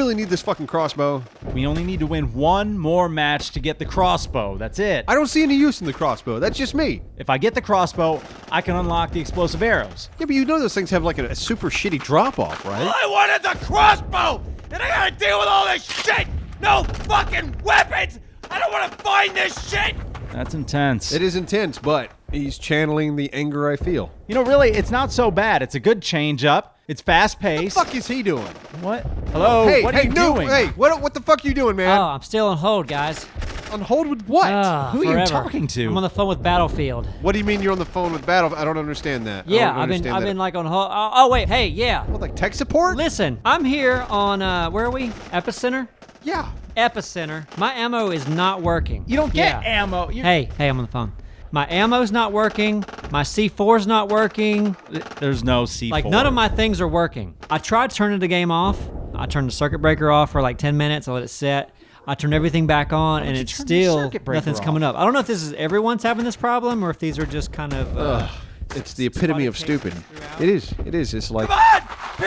really need this fucking crossbow. We only need to win one more match to get the crossbow. That's it. I don't see any use in the crossbow. That's just me. If I get the crossbow, I can unlock the explosive arrows. Yeah, but you know those things have like a super shitty drop-off, right? I wanted the crossbow, and I gotta deal with all this shit. No fucking weapons. I don't want to find this shit. That's intense. It is intense, but he's channeling the anger I feel. You know, really, it's not so bad. It's a good change up. It's fast What the paced. fuck is he doing? What? Hello? Hey, what hey, are you no, doing? hey, what the fuck are you doing, man? Oh, I'm still on hold, guys. On hold with what? Who are you Forever. talking to? I'm on the phone with Battlefield. What do you mean you're on the phone with Battle? I don't understand that. I Yeah, don't I've been understand that. like on hold. Oh wait, hey, yeah. What, like tech support? Listen, I'm here on where are we? Epicenter. Yeah. Epicenter. My ammo is not working. You don't get Yeah. ammo. Hey, I'm on the phone. My ammo's not working. My C4's not working. There's no C4. Like, none of my things are working. I tried turning the game off. I turned the circuit breaker off for like 10 minutes. I let it set. I turned everything back on, and you it's turn the still, circuit breaker nothing's off? coming up. I don't know if this is everyone's having this problem or if these are just kind of... It's the epitome of stupid. throughout. It is. It is. It's like... Come on,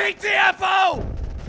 PTFO,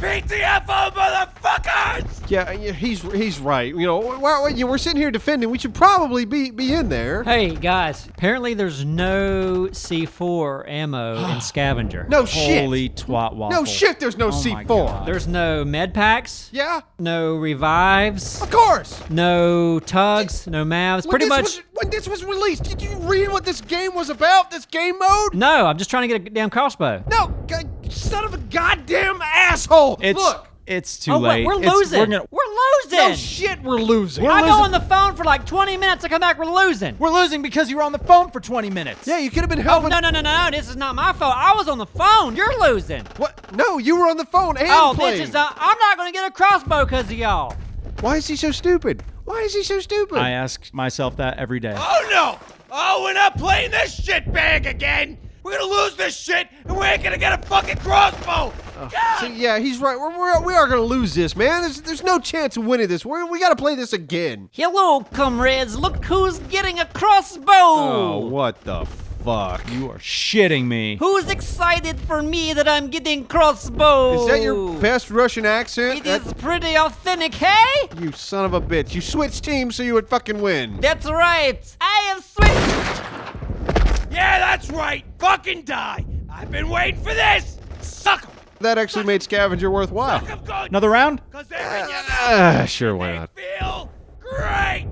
PTFO, motherfuckers. Yeah, he's right. You know, we're sitting here defending. We should probably be in there. Hey, guys, apparently there's no C4 ammo in Scavenger. No shit. Holy twat waffle. No shit. There's no Oh my C4. God. There's no med packs, Yeah. no revives, Of course. no tugs, no mavs. Pretty much... When this was released, did you read what this game was about? This game mode? No, I'm just trying to get a damn crossbow. No, son of a goddamn asshole. Look. It's too Oh, late. wait, we're It's- losing. We're gonna- We're losing. No shit, we're losing. I go on the phone for like 20 minutes. I come back, we're losing. We're losing because you were on the phone for 20 minutes. Yeah, you could have been Oh, helping. no. This is not my fault. I was on the phone. You're losing. What? No, you were on the phone and Oh, playing. this is... I'm not going to get a crossbow because of y'all. Why is he so stupid? Why is he so stupid? I ask myself that every day. Oh no! Oh, we're not playing this shit bag again. We're gonna lose this shit, and we ain't gonna get a fucking crossbow. God! See, yeah, he's right. We are gonna lose this, man. There's no chance of winning this. We gotta play this again. Hello, comrades. Look who's getting a crossbow. Oh, what the fuck? You are shitting me. Who's excited for me that I'm getting crossbow? Is that your best Russian accent? It is pretty authentic, hey? You son of a bitch. You switched teams so you would fucking win. That's right. I have switched. Yeah, that's right. Fucking die. I've been waiting for this. Suck 'em. That actually made Scavenger worthwhile. Suck 'em good. Another round? Cause they're in your mouth. Sure, why They not? feel great.